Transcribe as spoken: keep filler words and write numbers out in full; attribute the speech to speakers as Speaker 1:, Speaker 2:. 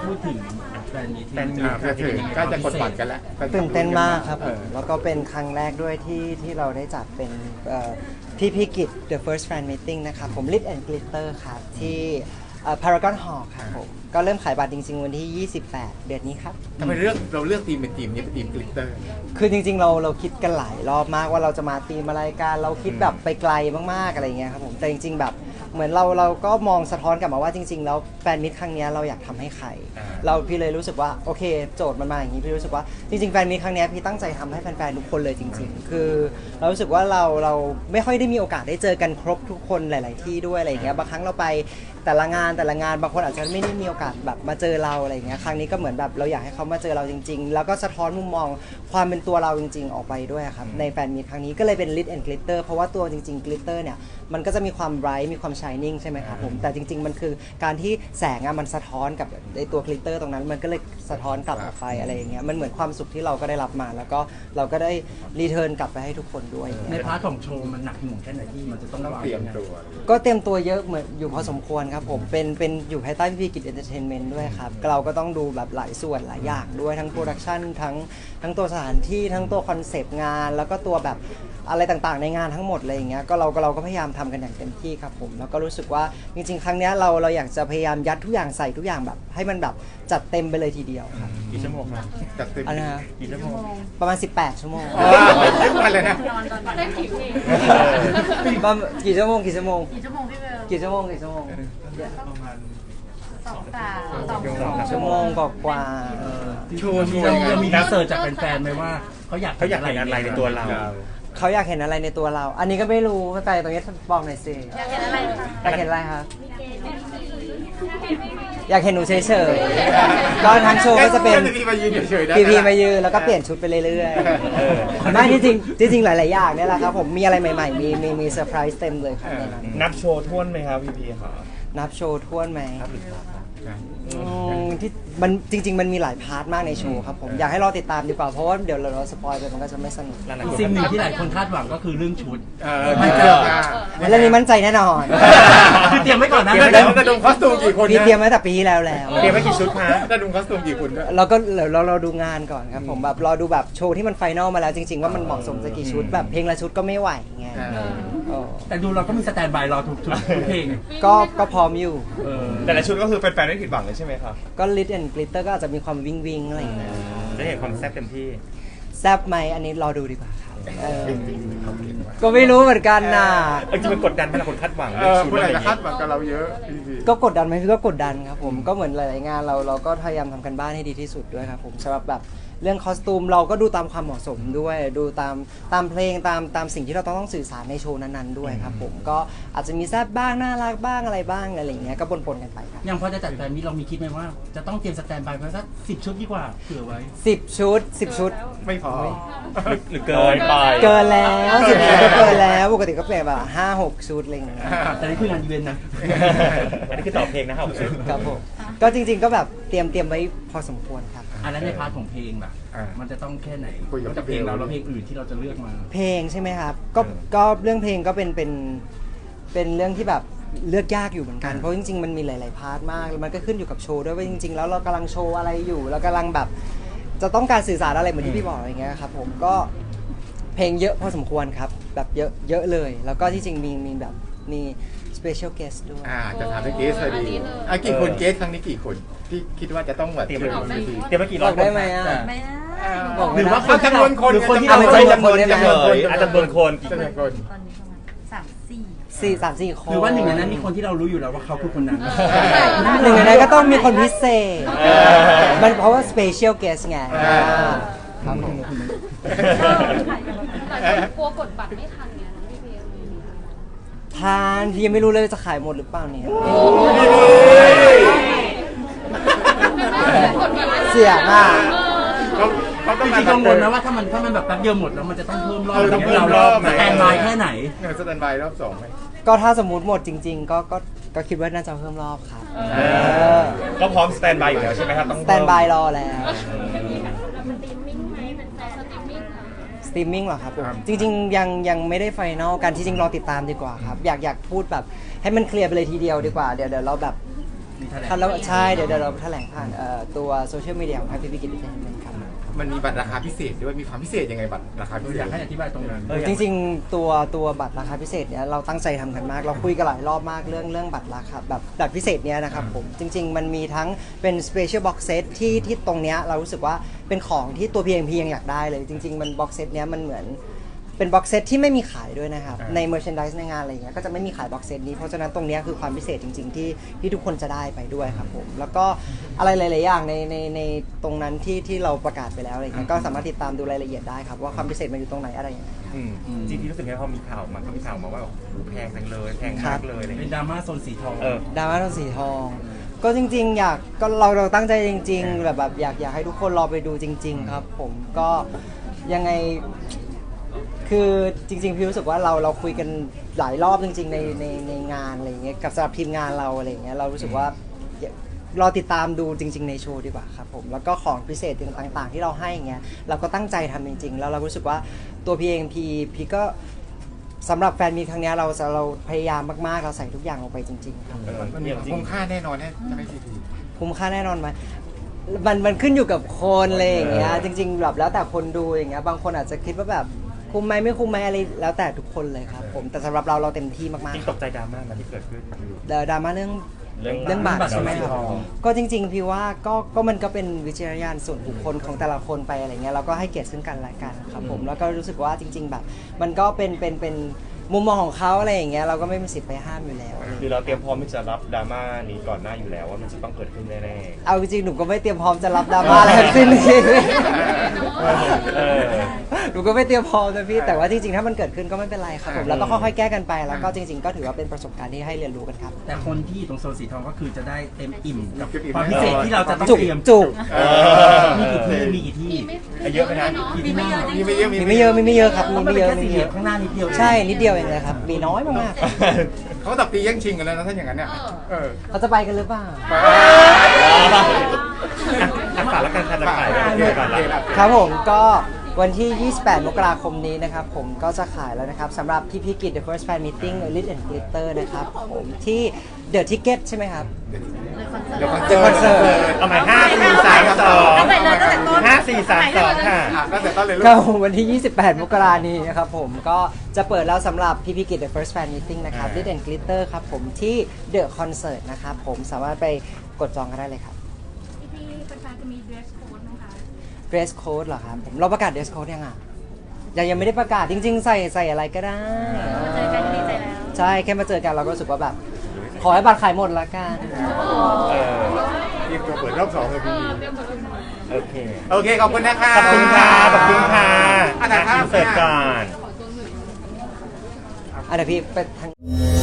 Speaker 1: พูดถึงแฟนมี
Speaker 2: แฟนมีก็ถึงก็จะกดบัตรกันแล้ว
Speaker 3: ตื่นเต้นมากครับผมแล้วก็เป็นครั้งแรกด้วยที่ที่เราได้จัดเป็นพี่พี่กิจ The First Fan Meeting นะครับผม Lit and Glitter ครับที่พารากอนฮอลล์ครับผมก็เริ่มขายบัตรจริงๆวันที่ ยี่สิบแปด เดือนนี้ครับ
Speaker 2: ทำไมเลือกเราเลือกทีมเป็นทีมนี้เป็นทีมกลิตเตอร์
Speaker 3: คือจริงๆเราเราคิดกันหลายรอบมากว่าเราจะมาทีมอะไรกันเราคิดแบบไปไกลมากๆอะไรเงี้ยครับผมแต่จริงๆแบบเหมือนเราเราก็มองสะท้อนกลับมาว่าจริงๆแล้วแฟนมิตรครั้งนี้เราอยากทำให้ใครเราพี่เลยรู้สึกว่าโอเคโจทย์มันมาอย่างนี้พี่รู้สึกว่าจริงๆแฟนมิตรครั้งนี้พี่ตั้งใจทำให้แฟนๆทุกคนเลยจริงๆคือเรารู้สึกว่าเราเราไม่ค่อยได้มีโอกาสได้เจอกันครบทุกคนหลายๆที่ด้วยอะไรเงี้ยบางครั้งเราไปแต่ละงานแต่ละงานบางคนอาจจะไม่ได้มีโอกาสแบบมาเจอเราอะไรเงี้ยครั้งนี้ก็เหมือนแบบเราอยากให้เขามาเจอเราจริงๆแล้วก็สะท้อนมุมมองความเป็นตัวเราจริงๆออกไปด้วยครับในแฟนมิตรครั้งนี้ก็เลยเป็น Lit and Glitter เพราะว่าตัวจริงๆ Glitter เนี่ยมันก็จะมีความไบรท์มีความ Shining ใช่ไหมครับผมแต่จริงๆมันคือการที่แสงอะมันสะท้อนกับในตัว Glitter ตรงนั้นมันก็เลยสะท้อนกลับออกไปอะไรอย่างเงี้ยมันเหมือนความสุขที่เราก็ได้รับมาแล้วก็เราก็ได้รีเทิร์นกลับไปให้ทุกคนด้วย
Speaker 1: ในพาร์ทของโชว์มันหนักหน่วงแค่ไหนที่มันจะต้อง
Speaker 2: เตรียมตัว
Speaker 3: ก็เตรียมตัวเยอะเหมือนอยู่พอสมควรครับผมเป็นเป็นอยู่ภายใต้พี่กิจเอนเตอร์เทนเมนต์ด้วยครับเราก็ต้องดูแบบหลายส่วนหลายอย่างด้วยทั้งโปรดักชันทั้งทั้งตัวสถานที่ทั้งตัวคอนเซปต์งานแล้วก็ตัวแบบอะไรต่างๆในงานทั้งหมดอะไรอย่างเงี้ยก็เราก็เราก็พยายามทำกันอย่างเต็มที่ครับผมแล้วก็รู้สึกว่าจริงๆครั้งนี้เราเราอยากจะพยายามยัดทุกอย่างใส่ทุกอย่างแบบให้มันแบบจัดเต็มไปเลยทีเดียวครับ
Speaker 2: กี่ชั่วโมงครับจัดเต็ม
Speaker 3: อันนะ
Speaker 2: กี่ชั่วโมง
Speaker 3: ประมาณสิบแปดชั่วโมง
Speaker 2: ทุกวันเลยนะ
Speaker 4: ได้กี่เพลง
Speaker 3: กี่ชั่วโมงกี่ชั่วโมง
Speaker 4: กี่ชั่วโมงพี่เบล
Speaker 3: กี่ชั่วโมงกี่ชั่วโมง
Speaker 4: ประมาณสองสามสอง
Speaker 3: ชั่วโมงกว่า
Speaker 1: โชว์มีเรามีรีเสิร์ชจากแฟนๆไหมว่าเขาอยาก
Speaker 2: เขาอยากเห็นอะไรในตัวเรา
Speaker 3: เขาอยากเห็นอะไรในตัวเราอันนี้ก็ไม่รู้แต่ตรงนี้บอกหน่อยสิ
Speaker 4: อยากเห็นอะไรคะ
Speaker 3: อยากเห็นอะไรคะอยากเห็นหนูเฉยๆก็ทั้งโชว์ก็จะเป็น
Speaker 2: พีพีมายืนเฉยๆ
Speaker 3: พีพีมายืนแล้วก็เปลี่ยนชุดไปเรื่อยๆไม่ที่จริงที่จริงหลายๆอย่างเนี่ยแหละครับผมมีอะไรใหม่ๆมีมีมีเซอร์ไพรส์เต็มเลยครับในนั้น
Speaker 5: นับโชว์ท่วนไหมครับพีพีค่ะ
Speaker 3: นับโชว์ท่วนไหมที่มันจริงๆมันมีหลายพาร์ทมากในโชว์ครับผมอยากให้รอติดตามดีกว่าเพราะว่าเดี๋ยวเราสปอยไปมันก็จะไม่สนุก
Speaker 1: สิ่งหนึ่งที่หลายคนคาดหวังก็คือเรื่องชุด
Speaker 2: มันเจอ
Speaker 3: เรื่องนี้มั่นใจแน่นอน
Speaker 1: คือเตรียมไว้ก่อนนะ
Speaker 2: แล้วจะดูคอสตูมกี่คน
Speaker 3: พี่เตรียมไว้แต่ปีที่แล้วแล้ว
Speaker 2: เตรียมไว้กี่ชุดคะจะดูคอสตูมกี่คน
Speaker 3: เราก็เราเราดูงานก่อนครับผมแบบรอดูแบบโชว์ที่มันไฟนอลมาแล้วจริงๆว่ามันเหมาะสมจะกี่ชุดแบบเพลงละชุดก็ไม่ไหวไง
Speaker 1: แต่ดูเราก็มีสแตนด์บายรอทุกชุดเพลง
Speaker 3: ก็ก็พร้อมอยู่
Speaker 5: แต่ละชุดก็คือแฟนๆไม่ผิดหวังเลยใช่ไหมครับ
Speaker 3: ก็ Lit and Glitter ก็อาจจะมีความวิงวิงอะไรอย่างเงี้ย
Speaker 5: จะเห็นความแซ่บเต็มที่
Speaker 3: แซ่บไหมอันนี้รอดูดีกว่าครับก็ไม่รู้เหมือนกันนะ
Speaker 5: จริงมันกดดันไหมล่ะคนคาดหวัง
Speaker 2: ชุดอะไรจะคาดหวังกับเราเยอะ
Speaker 3: ก็กดดันไหมพี่ก็กดดันครับผมก็เหมือนหลายๆงานเราเราก็พยายามทำกันบ้านให้ดีที่สุดด้วยครับผมสำหรับแบบเรื่องคอสตูมเราก็ดูตามความเหมาะสมด้วยดูตามตามเพลงตามตามสิ่งที่เราต้องต้องสื่อสารในโชว์นั้นๆด้วยครับผมก็อาจจะมีแซ่บบ้างน่ารักบ้างอะไรบ้างอะไรอย่างเงี้ยก็ปนๆกันไปครับ
Speaker 1: ยังพอจะจัดแฟนมิตรเรามีคิดไหมว่าจะต้องเตรียมสแตนด์บายไว้สักสิบชุดดีกว่าเผื่อไว้
Speaker 3: สิบชุดสิบชุด
Speaker 2: ไม่พอ
Speaker 5: หรือเกินไป
Speaker 3: เกินแล้วสิบชุดก็เกินแล้วปกติก็เปลี่ยนแบบห้าหกชุดอะไรอย่างเงี้ย
Speaker 1: แต่นี่คืองานอีเวนต์นะ
Speaker 5: อันนี้คือต่อเพลงนะครับ
Speaker 3: ครับผมก็จริงๆก็แบบเตรียมเตรียมไว้พอสมควรครับ
Speaker 1: อันนั้นในพาร์ทของเพลงแบบมันจะต้องแค่ไหนนอกจากเพลงเราแล้วเพลงอื่นที่เราจะเลือกมา
Speaker 3: เพลงใช่ไหมครับก็ก็เรื่องเพลงก็เป็นเป็นเป็นเรื่องที่แบบเลือกยากอยู่เหมือนกันเพราะจริงๆมันมีหลายๆพาร์ทมากมันก็ขึ้นอยู่กับโชว์ด้วยว่าจริงๆแล้วเรากำลังโชว์อะไรอยู่เรากำลังแบบจะต้องการสื่อสารอะไรเหมือนที่พี่บอกอะไรเงี้ยครับผมก็เพลงเยอะพอสมควรครับแบบเยอะเยอะเลยแล้วก็ที่จริงมีมีแบบมี special guest ด้วย
Speaker 2: อ่าจะถามถึงเกสพอดีอ่ะกี่คนเกสครั้งนี้กี่คนที่คิดว่าจะต้องแบบเตรียม
Speaker 5: เตรียมมากี่รอบ
Speaker 3: ได้ไหมอ่ะ
Speaker 1: หรือว่าคน
Speaker 2: จำนวนคน
Speaker 1: หรือคนที่
Speaker 3: เราไม่ใช่
Speaker 5: จำนวนจำนวนอาจจะจำนวนคน
Speaker 2: จำนวนคน
Speaker 4: ตอนนี้ประมาณสามสี่
Speaker 3: สี่สามสี่คน
Speaker 1: หรือว่าหนึ่งในนั้นมีคนที่เรารู้อยู่แล้วว่าเขาคือคนนั้น
Speaker 3: หนึ่งในนั้นก็ต้องมีคนพิเศษมันเพราะว่า special guest ไงครับผม
Speaker 4: กลัวกดบัตรไม่ทันไงพี่เพล
Speaker 3: ทานพี่ยังไม่รู้เลยจะขายหมดหรือเปล่าเนี่ยเสียมาก
Speaker 1: จริงๆกังวลนะว่าถ้ามันถ้ามันแบบแป๊บเดียวหมดแล้วมันจะต้องเพิ่มรอบต้องเพิ่มรอบสแตนด์บายแค่ไหน
Speaker 2: สแตนด์บายรอบสองไหม
Speaker 3: ก็ถ้าสมมติหมดจริงๆก็ก็ก็คิดว่าน่าจะเพิ่มรอบครับ
Speaker 5: ก็พร้อมสแตนด์บายอยู่แล้วใช่ไหมครับต้อง
Speaker 3: สแตนด์บายรอแล้วสตรีมมิ่งเหรอครับจริงๆยังยังไม่ได้ไฟนอลกันที่จริงรอติดตามดีกว่าครับอยากอยากพูดแบบให้มันเคลียร์ไปเลยทีเดียวดีกว่าเดี๋ยวเดี๋ยวเราแบบ
Speaker 1: มีแถลง
Speaker 3: ครับแล้วใช่เดี๋ยวเดี๋ยวเราแถลงผ่านเอ่อตัวโซเชียลมีเดียของ Happy Big Enter Tainment ครับ
Speaker 2: มันมีบัตรราคาพิเศษด้วยมีความพิเศษยังไงบัตรราคาพิเศษ
Speaker 1: อยากให้อธิบายตรงนั้น
Speaker 5: เออ
Speaker 3: จริงๆตัวตัวบัตรราคาพิเศษเนี่ยเราตั้งใจทำกันมาก เราคุยกันหลายรอบมากเรื่องเรื่องบัตรราคาแบบบัตรพิเศษเนี้ยนะครับผมจริง ๆ มันมีทั้งเป็น special box set ที่ที่ตรงเนี้ยเรารู้สึกว่าเป็นของที่ตัว พี เอ็ม พี ยังอยากได้เลย จริง ๆ มัน box set เนี้ยมันเหมือนเป็น box set ที่ไม่มีขายด้วยนะครับใน merchandise ในงานอะไรอย่างเงี้ยก็จะไม่มีขาย box set นี้เพราะฉะนั้นตรงเนี้ยคือความพิเศษจริง ๆ ที่ที่ทุกคนจะได้ไปด้วยครับผมแล้วก็อะไรหลาย ๆ อย่างในในในตรงนั้นที่ที่เราประกาศไปแล้วอะไรเงี้ยก็สามารถติดตามดูรายละเอียดได้ครับว่าความพิเศษมันอยู่ตรงไหนอะไรยังไง
Speaker 5: อืมจริงๆรู้สึกไงพอมีข่าวมันก็มีข่าวมาว่าโอ้โหแพงจังเลยแพงมากเลยอะไรอย่าง
Speaker 1: เป็น
Speaker 5: เงี้ย
Speaker 1: ดราม่าโซนสีทอง
Speaker 5: เออ
Speaker 3: ดราม่าโทนสีทอง ก็จริง ๆ อยากก็เราเราตั้งใจจริง ๆ แบบแบบอยากอยากให้ทุกคนรอไปดูจริง ๆ ครับ ผมก็ยังไงคือจริง ๆ พี่รู้สึกว่าเราเราคุยกันหลายรอบจริง ๆ ในในในงานอะไรอย่างเงี้ยกับสำหรับทีมงานเราอะไรอย่างเงี้ยเรารู้สึกว่ารอติดตามดูจริง ๆ ในโชว์ดีกว่าครับผมแล้วก็ของพิเศษต่างๆ ที่เราให้อย่างเงี้ยเราก็ตั้งใจทำจริง ๆ แล้วเรารู้สึกว่าตัวพีเองพีพีก็สำหรับแฟนมีตครั้งเนี้ยเราเราพยายามมากๆเราใส่ทุกอย่างลงไปจริงๆครับ
Speaker 5: เออ
Speaker 2: มันมีความคุ้มค่าแน่นอนแน่ใช่ไหมซีที
Speaker 3: คุ้มค่าแน่นอนไหมมันมันขึ้นอยู่กับคนอะไรอย่างเงี้ย จริงๆแบบแล้วแต่คนดูอย่างเงี้ย บางคนอาจจะคิดว่าแบบคุ้มไหมไม่คุ้มไหมอะไรแล้วแต่ทุกคนเลยครับผม แต่สำหรับเราเราเต็มที่มาก
Speaker 5: จริง
Speaker 3: ๆค
Speaker 5: ต
Speaker 3: รับ
Speaker 5: กใจดราม่ามาที่เกิดขึ้น
Speaker 3: เดี๋ยวดราม่าเรื่อง
Speaker 5: เรื่อง
Speaker 3: เรื่องบัตรใช่ไหมครับ
Speaker 5: เรื่องบัตร
Speaker 3: ก็จริง ๆ พี่ว่าก็ก็มันก็เป็นวิจารณญาณส่วนบุคคลของแต่ละคนไปอะไรเงี้ยเราก็ให้เกียรติซึ่งกันและกันครับผม แล้วก็รู้สึกว่าจริง ๆ แบบ มันก็เป็นเป็นเป็นมุมมองของเขาอะไรอย่างเงี้ยเราก็ไม่มีสิทธิ์ไปห้ามอยู่แล้ว
Speaker 5: คือเราเตรียมพร้อมที่จะรับดราม่านี้ก่อนหน้าอยู่แล้วว่ามันจะต้องเกิดขึ้นแน่
Speaker 3: เอาจริงๆหนูก็ไม่เตรียมพร้อมจะรับดราม่าอะไรทั้งสิ้น
Speaker 5: ๆเออ
Speaker 3: หนูก็ไม่เตรียมพร้อมนะพี่แต่ว่าจริงๆถ้ามันเกิดขึ้นก็ไม่เป็นไรครับผมแล้วก็ค่อยๆแก้กันไปแล้วก็จริง ๆ ก็ถือว่าเป็นประสบการณ์ที่ให้เรียนรู้กันครับ
Speaker 1: แต่คนที่อยู่ตรงโซนสีทองก็คือจะได้เต็มอิ่มกับความพิเศษที่เราจะต้อง
Speaker 3: จุก
Speaker 1: เตรียม
Speaker 3: จุก
Speaker 2: เออ
Speaker 1: มีกี่ที่มีกี่ที่
Speaker 5: เยอะไหมนะ
Speaker 4: มีไม่เยอะจริง
Speaker 2: มีไม่เยอะ
Speaker 3: มีไม่เยอะมีไม่เยอะครับมี
Speaker 1: มัน
Speaker 3: ไม่
Speaker 1: เป็น
Speaker 3: เยอะ
Speaker 1: แค่
Speaker 3: มี
Speaker 1: สี่
Speaker 3: ไม่
Speaker 1: เห
Speaker 3: เย
Speaker 1: ลี่ย
Speaker 3: อะ
Speaker 1: มข้างหน้านิดเดียว
Speaker 3: ใช่นิดเดียวเองเลยครับมีน้อยมาก
Speaker 2: เขาตับตีแย่งชิงกันแล้วนะถ้าอย่างนั้นเนี่ยเออ
Speaker 3: ๆเขาจะไปกันหรือเปล่า
Speaker 5: อ่ะฝากแล้วกันค่ะจะขายแล้วเดี๋ยวก่อนละ
Speaker 3: ครับผมก็วันที่ ยี่สิบแปด มกราคมนี้นะครับผมก็จะขายแล้วนะครับสำหรับพี่พิกิจ The First Fan Meeting Lit and Glitter นะครับผมที่ The Ticket ใช่ไหมครับ
Speaker 2: เดี๋ยวคอน
Speaker 3: The Concert
Speaker 5: เอาใหม่ห้าสี่สามสอง
Speaker 4: เอาไปเลยตั้งแต่ต้น
Speaker 5: ห้าสี่สามสองค่ะ
Speaker 2: อ่ะตั้งแต่ต้นเลยลู
Speaker 3: ก็
Speaker 2: ก
Speaker 3: วันที่ ยี่สิบแปด มกรานี้นะครับผมก็จะเปิดแล้วสำหรับพี่พิกิจ The First Fan Meeting นะครับ Lit and Glitter ครับผมที่ The Concert นะครับผมสามารถไปกดจองกันได้เลยครับ
Speaker 4: พี่ๆแฟนๆจะมี dress code ไหมคะ
Speaker 3: Dress Code เหรอครับผมเราประกาศ Dress Code ยังอ่ะยังยังไม่ได้ประกาศจริง ๆ ใส่ใส่อะไรก็ได้
Speaker 4: มาเจอกันก็ดีใจแล้ว
Speaker 3: ใช่แค่มาเจอกันเราก็รู้สึกว่าแบบ ขอให้บัตรขายหมดละกัน
Speaker 5: เออ
Speaker 2: เตรียมตัวเปิดรอบสองเลยพี่
Speaker 5: โอเค
Speaker 2: โอเคขอบคุณนะคะ
Speaker 5: ขอบคุณค่ะ ขอบคุณค่ะ
Speaker 2: อ่ะถ่ายภาพ
Speaker 5: อินเสิร์ตก่อน
Speaker 3: อ่ะเดี๋ยวพี่ไปทาง